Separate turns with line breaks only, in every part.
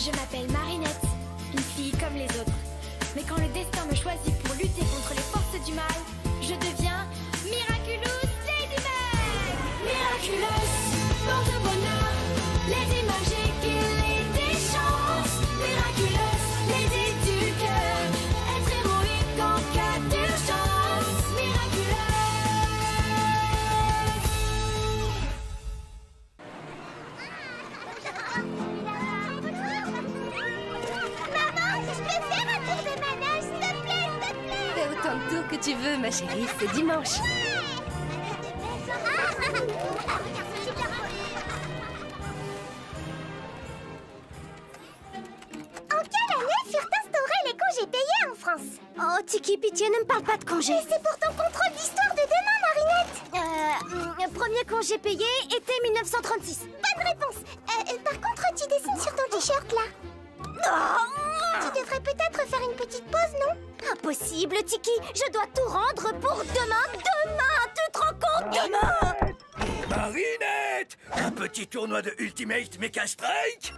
Je m'appelle Marinette, une fille comme les autres. Mais quand le destin me choisit pour lutter contre les forces du mal, je deviens Miraculous Ladybug. Miraculous, porte-bonheur, Lady magique et Lady chance. Miraculous, Lady du cœur, être héroïque en cas d'urgence.
Maman, je peux faire un tour de manège, s'il te plaît, s'il te plaît.
Fais autant de tours que tu veux, ma chérie, c'est dimanche.
En quelle année furent instaurés les congés payés en France? Oh, Tiki, pitié, ne me parle pas de congés. Mais c'est pour ton contrôle d'histoire de demain, Marinette. Premier congé payé, été 1936. Bonne réponse. Par contre, tu dessines sur ton t-shirt, là. Tu devrais peut-être faire une petite pause, non? Impossible, Tiki. Je dois tout rendre pour demain. Demain, tu te rends compte? Demain.
Marinette! Un petit tournoi de Ultimate Mecha Strike?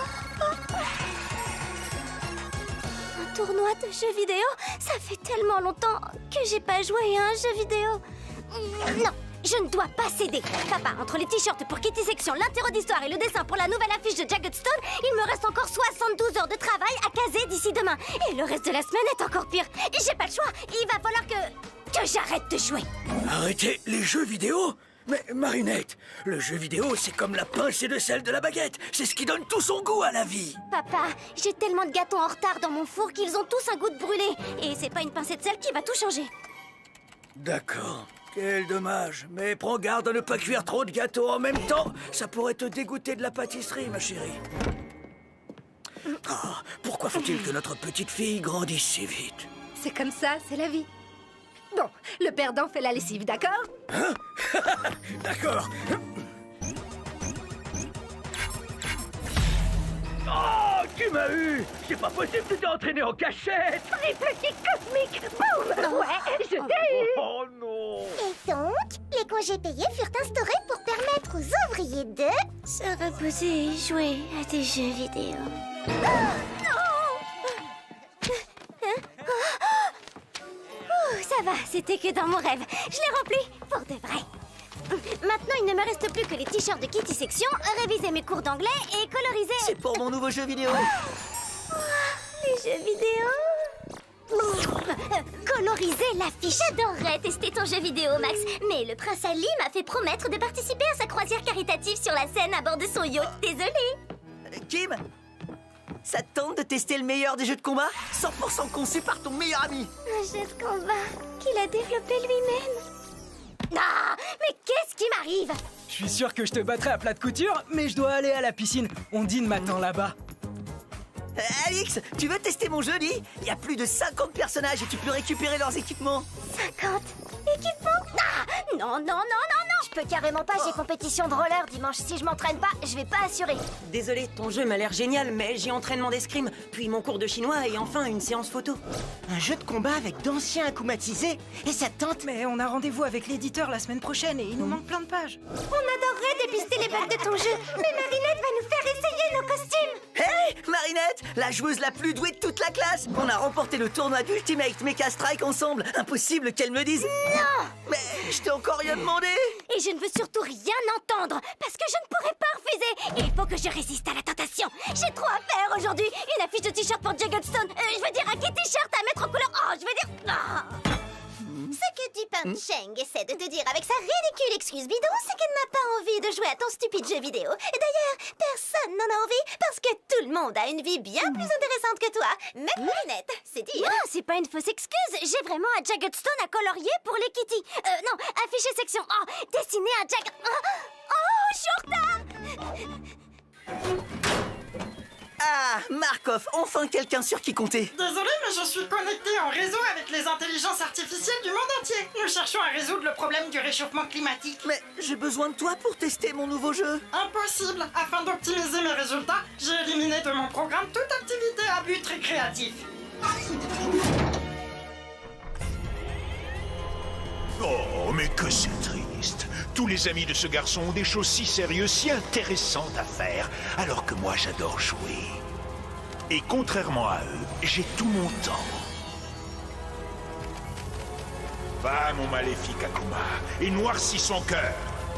Un tournoi de jeux vidéo? Ça fait tellement longtemps que j'ai pas joué à un jeu vidéo. Non, je ne dois pas céder. Papa, entre les t-shirts pour Kitty Section, l'interro d'histoire et le dessin pour la nouvelle affiche de Jagged Stone, il me reste encore 72 heures de travail à caser d'ici demain. Et le reste de la semaine est encore pire. J'ai pas le choix. Il va falloir que j'arrête de jouer.
Arrêtez les jeux vidéo? Mais Marinette, le jeu vidéo, c'est comme la pincée de sel de la baguette. C'est ce qui donne tout son goût à la vie.
Papa, j'ai tellement de gâteaux en retard dans mon four qu'ils ont tous un goût de brûlé. Et c'est pas une pincée de sel qui va tout changer.
D'accord. Quel dommage. Mais prends garde à ne pas cuire trop de gâteaux en même temps. Ça pourrait te dégoûter de la pâtisserie, ma chérie. Ah, pourquoi faut-il que notre petite fille grandisse si vite?
C'est comme ça, c'est la vie. Bon, le perdant fait la lessive, d'accord?
Hein? D'accord. Oh, tu m'as eu! C'est pas possible, tu t'es entraîné en cachette!
Triple kick cosmique, boum! Ouais, je t'ai eu!
Oh non!
Et donc, les congés payés furent instaurés pour permettre aux ouvriers de se reposer et jouer à des jeux vidéo. Ça va, c'était que dans mon rêve. Je l'ai rempli pour de vrai. Maintenant, il ne me reste plus que les t-shirts de Kitty Section, réviser mes cours d'anglais et coloriser...
C'est pour mon nouveau jeu vidéo.
Les jeux vidéo. Coloriser l'affiche. J'adorerais tester ton jeu vidéo, Max. Mais le prince Ali m'a fait promettre de participer à sa croisière caritative sur la Seine à bord de son yacht. Désolée.
Kim, ça te tente de tester le meilleur des jeux de combat? 100% conçu par ton meilleur ami.
Un jeu de combat qu'il a développé lui-même. Ah, mais qu'est-ce qui m'arrive?
Je suis sûr que je te battrai à plat de couture, mais je dois aller à la piscine. Ondine m'attend là-bas.
Alix, tu veux tester mon jeu, Lee? Il y a plus de 50 personnages et tu peux récupérer leurs équipements.
50 équipements? Ah, non, non, non, non, non. Je peux carrément pas, j'ai compétition de roller dimanche. Si je m'entraîne pas, je vais pas assurer.
Désolé, ton jeu m'a l'air génial, mais j'ai entraînement d'escrime, puis mon cours de chinois et enfin une séance photo.
Un jeu de combat avec d'anciens acclimatisés? Et ça te tente?
Mais on a rendez-vous avec l'éditeur la semaine prochaine et il nous manque plein de pages.
On adorerait dépister les bugs de ton jeu, mais Marinette va nous faire essayer nos costumes.
Hey, Marinette, la joueuse la plus douée de toute la classe. On a remporté le tournoi d'Ultimate Mecha Strike ensemble. Impossible qu'elle me dise...
Non!
Mais je t'ai encore rien demandé.
Et je ne veux surtout rien entendre, parce que je ne pourrai pas refuser. Il faut que je résiste à la tentation. J'ai trop à faire aujourd'hui. Une affiche de t-shirt pour Jagged Stone. Je veux dire un kit t-shirt à mettre en couleur. Oh, je veux dire... Oh. Ce que Dupin Cheng essaie de te dire avec sa ridicule excuse bidon, c'est qu'elle n'a pas envie de jouer à ton stupide jeu vidéo. Et d'ailleurs, personne n'en a envie parce que tout le monde a une vie bien plus intéressante que toi. Même Marinette, c'est dire. Non, c'est pas une fausse excuse. J'ai vraiment un Jagged Stone à colorier pour les Kitty. Non, afficher section. Oh, dessiner un Jagged... Oh, je suis en retard.
Ah, Markov, enfin quelqu'un sur qui compter.
Désolé, mais je suis connecté en réseau avec les intelligences artificielles du monde entier. Nous cherchons à résoudre le problème du réchauffement climatique.
Mais j'ai besoin de toi pour tester mon nouveau jeu.
Impossible. Afin d'optimiser mes résultats, j'ai éliminé de mon programme toute activité à but récréatif.
Oh, mais que c'est triste. Tous les amis de ce garçon ont des choses si sérieuses, si intéressantes à faire, alors que moi j'adore jouer. Et contrairement à eux, j'ai tout mon temps. Va, mon maléfique Akuma, et noircis son cœur.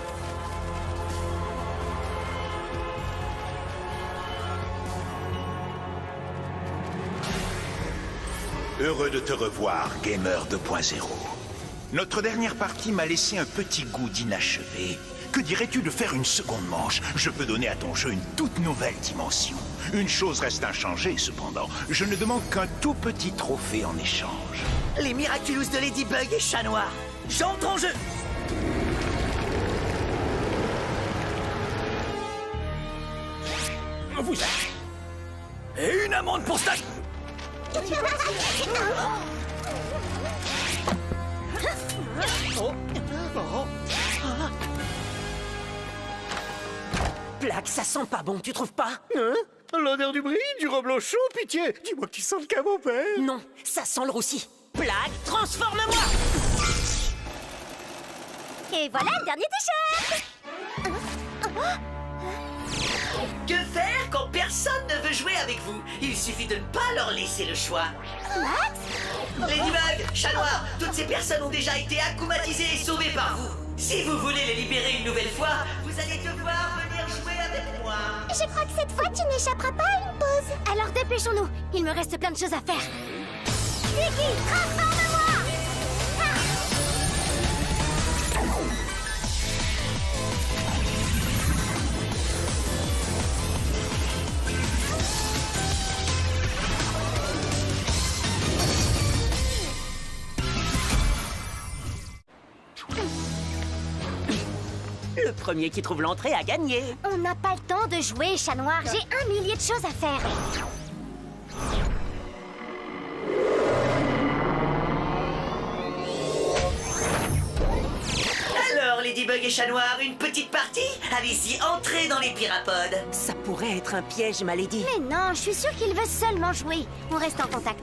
Heureux de te revoir, Gamer 2.0. Notre dernière partie m'a laissé un petit goût d'inachevé. Que dirais-tu de faire une seconde manche? Je peux donner à ton jeu une toute nouvelle dimension. Une chose reste inchangée, cependant. Je ne demande qu'un tout petit trophée en échange.
Les Miraculous de Ladybug et Chat Noir. J'entre en jeu.
Vous... Et une amende pour ça.
Plaque, ça sent pas bon, tu trouves pas?
Hein? L'odeur du bris, du reblochon, pitié. Dis-moi que tu sens le camembert.
Non, ça sent le roussi. Plaque, transforme-moi!
Et voilà le dernier t-shirt.
Que faire quand personne ne veut jouer avec vous? Il suffit de ne pas leur laisser le choix. Ladybug, Chat Noir, toutes ces personnes ont déjà été akumatisées et sauvées par vous. Si vous voulez les libérer une nouvelle fois, vous allez devoir venir jouer avec moi.
Je crois que cette fois, tu n'échapperas pas à une pause. Alors dépêchons-nous. Il me reste plein de choses à faire. Vicky, transforme-moi!
Le premier qui trouve l'entrée a gagné.
On n'a pas le temps de jouer, Chat Noir. J'ai 1 millier de choses à faire.
Alors, Ladybug et Chat Noir, une petite partie? Allez-y, entrez dans les pirapodes.
Ça pourrait être un piège, ma lady.
Mais non, je suis sûre qu'il veut seulement jouer. On reste en contact.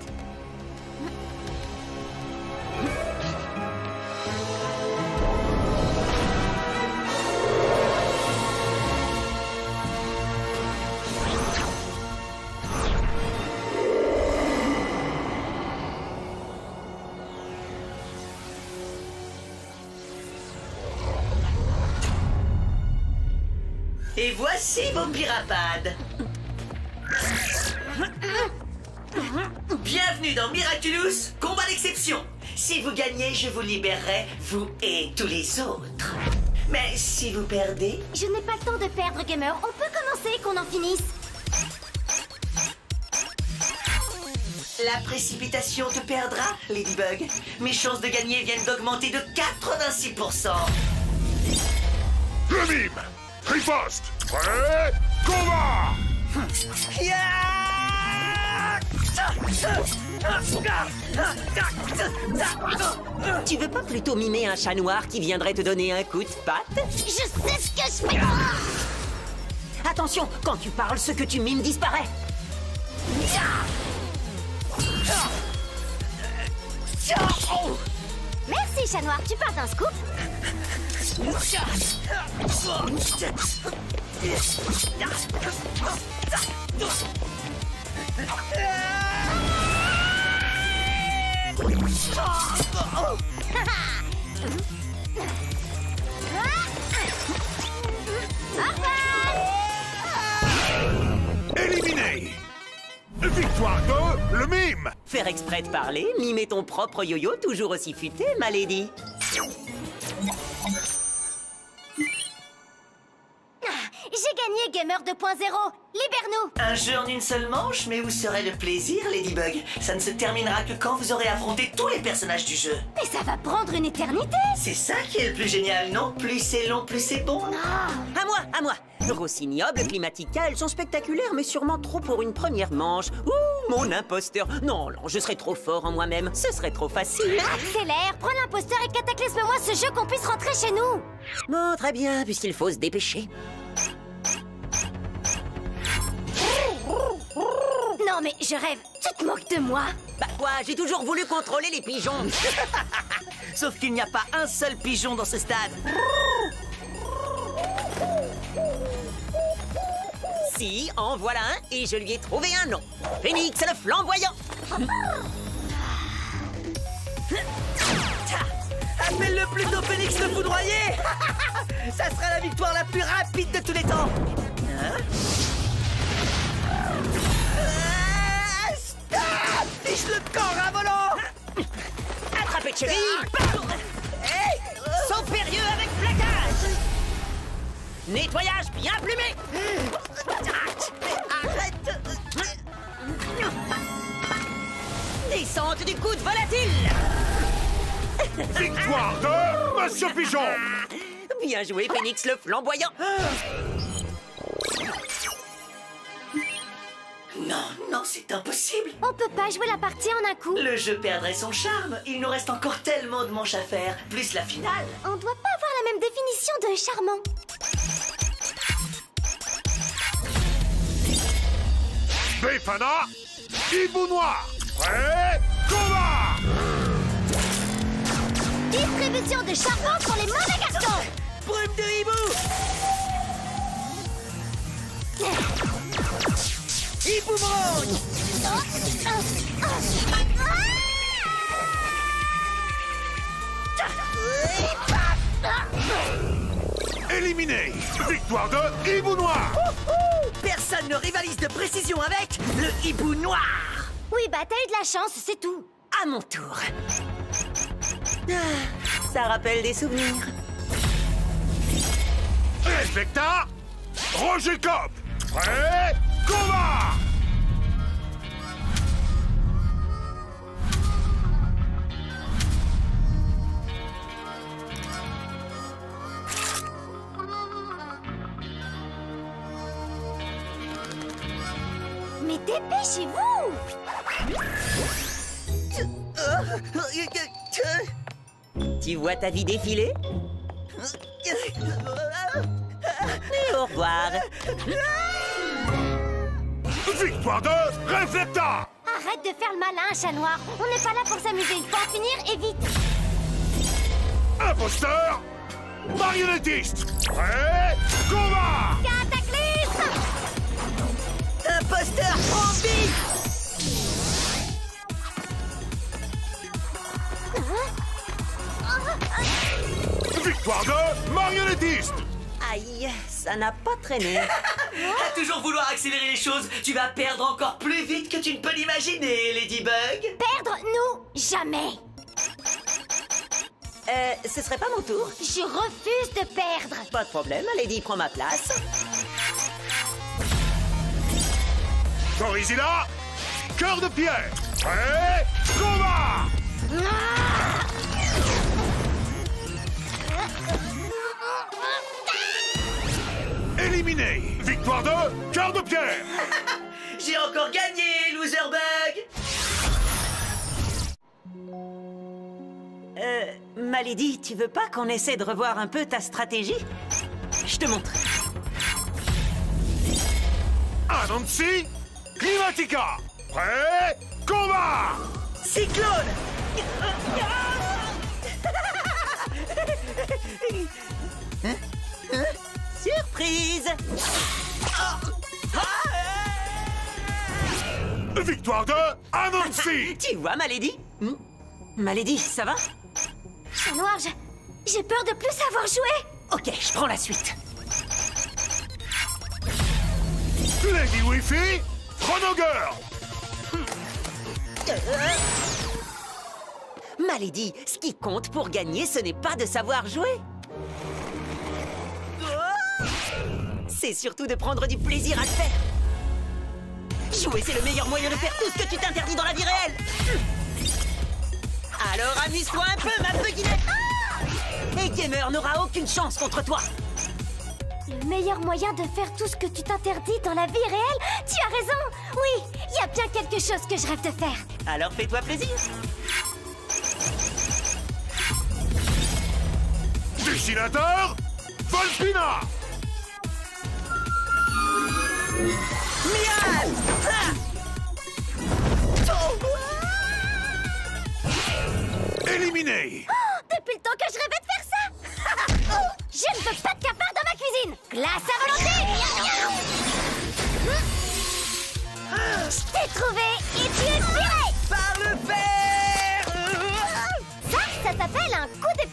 Et voici vos pirapades. Bienvenue dans Miraculous, combat d'exception. Si vous gagnez, je vous libérerai, vous et tous les autres. Mais si vous perdez...
Je n'ai pas le temps de perdre, Gamer. On peut commencer, qu'on en finisse.
La précipitation te perdra, Ladybug. Mes chances de gagner viennent d'augmenter de 86%.
Le mime! Riposte! Prêt? Combat!
Tu veux pas plutôt mimer un chat noir qui viendrait te donner un coup de patte?
Je sais ce que je fais.
Attention, quand tu parles, ce que tu mimes disparaît.
Merci, Chat Noir. Tu parles d'un scoop?
Éliminé! Victoire de le mime!
Faire exprès de parler, mimer ton propre yo-yo toujours aussi futé, ma lady.
J'ai gagné, Gamer 2.0. Libère-nous.
Un jeu en une seule manche, mais où serait le plaisir, Ladybug? Ça ne se terminera que quand vous aurez affronté tous les personnages du jeu.
Mais ça va prendre une éternité.
C'est ça qui est le plus génial, non? Plus c'est long, plus c'est bon.
À moi, à moi. Rossignol, Climatica, elles sont spectaculaires, mais sûrement trop pour une première manche. Ouh, mon imposteur. Non, non, je serais trop fort en moi-même. Ce serait trop facile.
Accélère, prends l'imposteur et cataclysme-moi ce jeu qu'on puisse rentrer chez nous.
Bon, très bien, puisqu'il faut se dépêcher.
Non mais je rêve, tu te moques de moi?
Bah quoi, j'ai toujours voulu contrôler les pigeons.
Sauf qu'il n'y a pas un seul pigeon dans ce stade.
Si, en voilà un, et je lui ai trouvé un nom. Phénix le flamboyant.
Appelle-le plutôt Phénix le foudroyé. Ça sera la victoire la plus rapide de tous les temps. Hein? Stop! Fiche le corps à volant.
Attrapé de cheville. Hey, saut périlleux avec plaquage. Nettoyage bien plumé.
Arrête.
Descente du coude volatile.
Victoire de Monsieur Pigeon.
Bien joué, Phénix le flamboyant.
Non, non, c'est impossible.
On peut pas jouer la partie en un coup.
Le jeu perdrait son charme. Il nous reste encore tellement de manches à faire, plus la finale.
On doit pas avoir la même définition de charmant.
Befana, Hibou Noir. Prêt, combat.
Distribution de charbon pour les mauvais garçons.
Brume de hibou. Hiboumerang.
Éliminé. Victoire de Hibou Noir.
Personne ne rivalise de précision avec le hibou noir.
Oui, bah t'as eu de la chance, c'est tout.
À mon tour. Ça rappelle des souvenirs.
Respecta, Roger Cop. Prêt, combat.
Mais dépêchez-vous.
Tu vois ta vie défiler? Et au revoir.
Victoire de Reflecta.
Arrête de faire le malin, chat noir. On n'est pas là pour s'amuser. Il faut en finir et vite.
Imposteur, marionnettiste. Prêt, combat.
Cataclysme.
Imposteur, zombie.
Victoire de marionnettiste.
Aïe, ça n'a pas traîné.
À toujours vouloir accélérer les choses, tu vas perdre encore plus vite que tu ne peux l'imaginer, Ladybug.
Perdre, nous, jamais.
Ce serait pas mon tour?
Je refuse de perdre.
Pas de problème, Lady prend ma place.
Gorizilla, cœur de pierre. Prêt, combat. Éliminé. Victoire de cœur de pierre.
J'ai encore gagné, Loserbug.
Malady, tu veux pas qu'on essaie de revoir un peu ta stratégie? Je te montre.
Anansi, Climatica. Prêt, combat.
Cyclone.
Surprise.
Victoire de Anansi.
Tu vois, Malady? Malady, ça va?
Chat noir, j'ai peur de plus savoir jouer.
Ok, je prends la suite.
Lady Wi-Fi, Chrono Girl.
Malady, ce qui compte pour gagner, ce n'est pas de savoir jouer. C'est surtout de prendre du plaisir à le faire. Jouer, c'est le meilleur moyen de faire tout ce que tu t'interdis dans la vie réelle. Alors amuse-toi un peu, ma beguinette. Et Gamer n'aura aucune chance contre toi.
Le meilleur moyen de faire tout ce que tu t'interdis dans la vie réelle? Tu as raison. Oui, il y a bien quelque chose que je rêve de faire.
Alors fais-toi plaisir.
Dessinateur, Volpina.
Mial.
Éliminé.
Depuis le temps que je rêvais de faire ça. Je ne veux pas de cafard dans ma cuisine. Glace à volonté.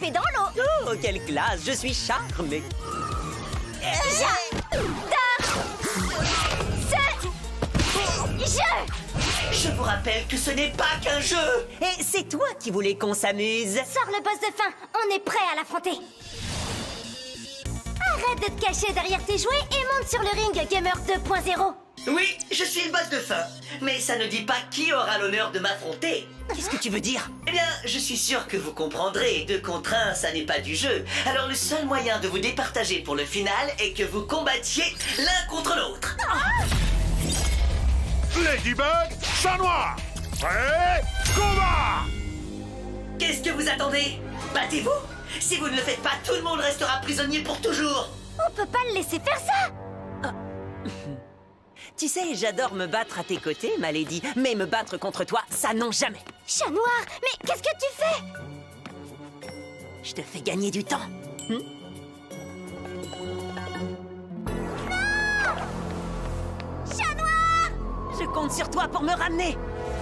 l'épée dans l'eau.
Oh, quelle classe! Je suis charmé.
Je vous rappelle que ce n'est pas qu'un jeu.
Et c'est toi qui voulais qu'on s'amuse.
Sors le boss de fin, on est prêt à l'affronter. Arrête de te cacher derrière tes jouets et monte sur le ring, Gamer 2.0.
Oui, je suis le boss de fin. Mais ça ne dit pas qui aura l'honneur de m'affronter.
Qu'est-ce que tu veux dire?
Eh bien, je suis sûr que vous comprendrez, 2 contre 1, ça n'est pas du jeu. Alors le seul moyen de vous départager pour le final est que vous combattiez l'un contre l'autre.
Ladybug, chat noir. Prêt, combat!
Qu'est-ce que vous attendez? Battez-vous. Si vous ne le faites pas, tout le monde restera prisonnier pour toujours.
On peut pas le laisser faire ça.
Tu sais, j'adore me battre à tes côtés, ma lady, mais me battre contre toi, ça non jamais.
Chat noir, mais qu'est-ce que tu fais?
Je te fais gagner du temps.
Chat noir!
Je compte sur toi pour me ramener.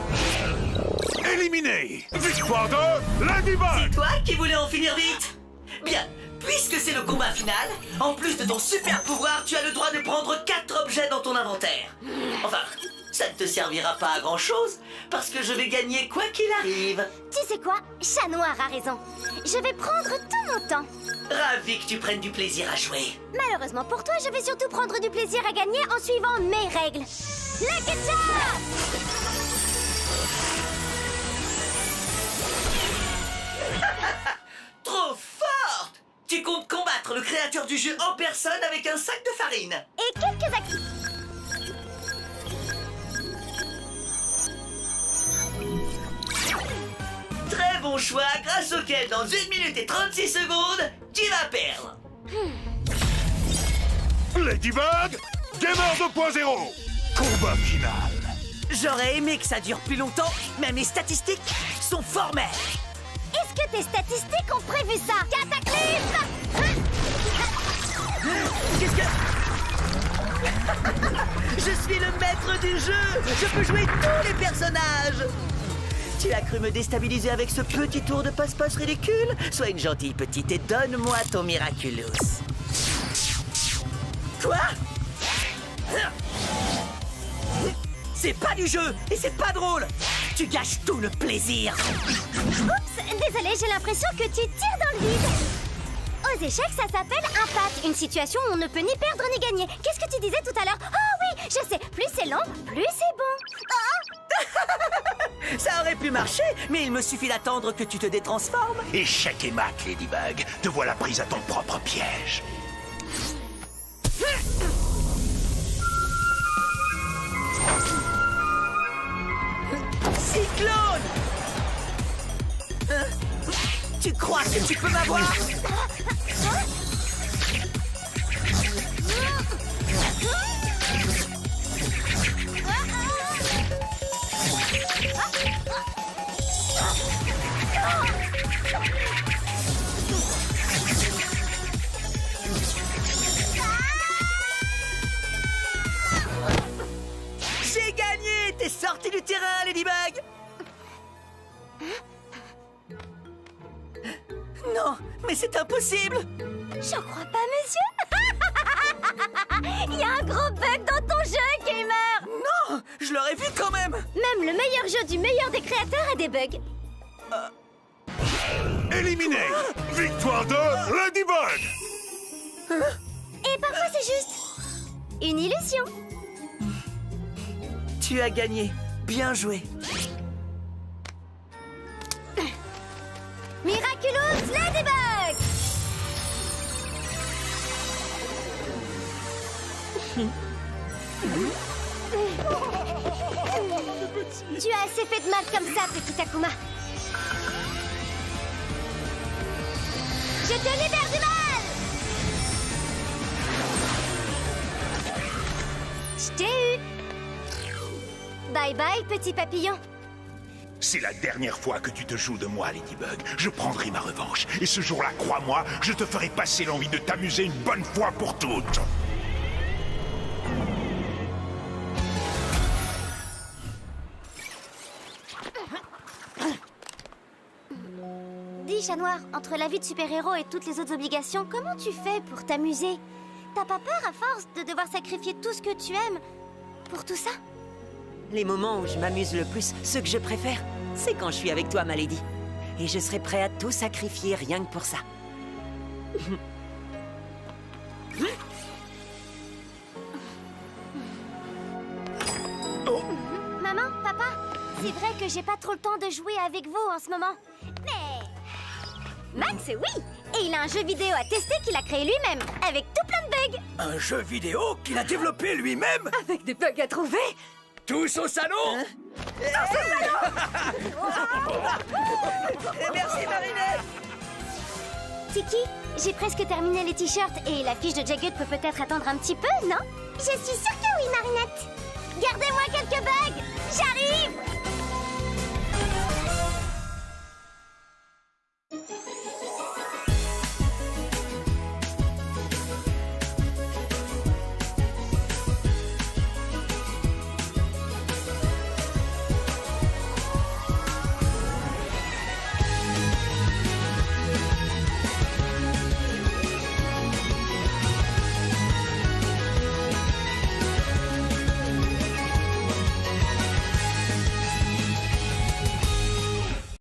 Éliminé. Victoire de Ladybug.
C'est toi qui voulais en finir vite? Bien, puisque c'est le combat final, en plus de ton super pouvoir, tu as le droit de prendre 4 objets dans ton inventaire. Enfin, ça ne te servira pas à grand chose, parce que je vais gagner quoi qu'il arrive.
Tu sais quoi? Chat noir a raison. Je vais prendre tout mon temps.
Ravi que tu prennes du plaisir à jouer.
Malheureusement pour toi, je vais surtout prendre du plaisir à gagner en suivant mes règles. Lucky Charm!
Trop forte! Tu comptes combattre le créateur du jeu en personne avec un sac de farine.
Et quelques actions.
Très bon choix, grâce auquel dans 1 minute et 36 secondes, tu vas perdre.
Ladybug, Gamer 2.0. Combat final.
J'aurais aimé que ça dure plus longtemps, mais mes statistiques sont formelles.
Est-ce que tes statistiques ont prévu ça? Cataclysme!
Qu'est-ce que... Je suis le maître du jeu. Je peux jouer tous les personnages. Tu as cru me déstabiliser avec ce petit tour de passe-passe ridicule? Sois une gentille petite et donne-moi ton Miraculous. Quoi? C'est pas du jeu et c'est pas drôle. Tu gâches tout le plaisir.
Oups, désolé, j'ai l'impression que tu tires dans le vide. Aux échecs, ça s'appelle un pat, une situation où on ne peut ni perdre ni gagner. Qu'est-ce que tu disais tout à l'heure? Oh oui, je sais, plus c'est long, plus c'est bon. Oh!
Ça aurait pu marcher, mais il me suffit d'attendre que tu te détransformes.
Échec et mat, Ladybug. Te voilà prise à ton propre piège.
Cyclone! Tu crois que tu peux m'avoir? J'ai gagné! T'es sorti du terrain, Ladybug! Non, mais c'est impossible!
J'en crois pas, monsieur. Il y a un gros bug dans ton jeu, gamer.
Non, je l'aurais vu quand même.
Même le meilleur jeu du meilleur des créateurs a des bugs.
Éliminé. Victoire de Ladybug.
Et parfois c'est juste une illusion.
Tu as gagné. Bien joué.
Miraculous Ladybug. Tu as assez fait de mal comme ça, petit Akuma. Je te libère du mal. Je t'ai eu. Bye bye, petit papillon.
C'est la dernière fois que tu te joues de moi, Ladybug. Je prendrai ma revanche. Et ce jour-là, crois-moi, je te ferai passer l'envie de t'amuser une bonne fois pour toutes.
Dis chat noir, entre la vie de super-héros et toutes les autres obligations, comment tu fais pour t'amuser? T'as pas peur à force de devoir sacrifier tout ce que tu aimes pour tout ça?
Les moments où je m'amuse le plus, ceux que je préfère, c'est quand je suis avec toi, Malady. Et je serais prêt à tout sacrifier rien que pour ça.
Maman, papa, c'est vrai que j'ai pas trop le temps de jouer avec vous en ce moment. Mais... Max, oui! Et il a un jeu vidéo à tester qu'il a créé lui-même, avec tout plein de bugs.
Un jeu vidéo qu'il a développé lui-même?
Avec des bugs à trouver?
Tous au salon?
Merci, Marinette.
Tiki, j'ai presque terminé les t-shirts et la fiche de Jagged peut peut-être attendre un petit peu, non? Je suis sûre que oui, Marinette.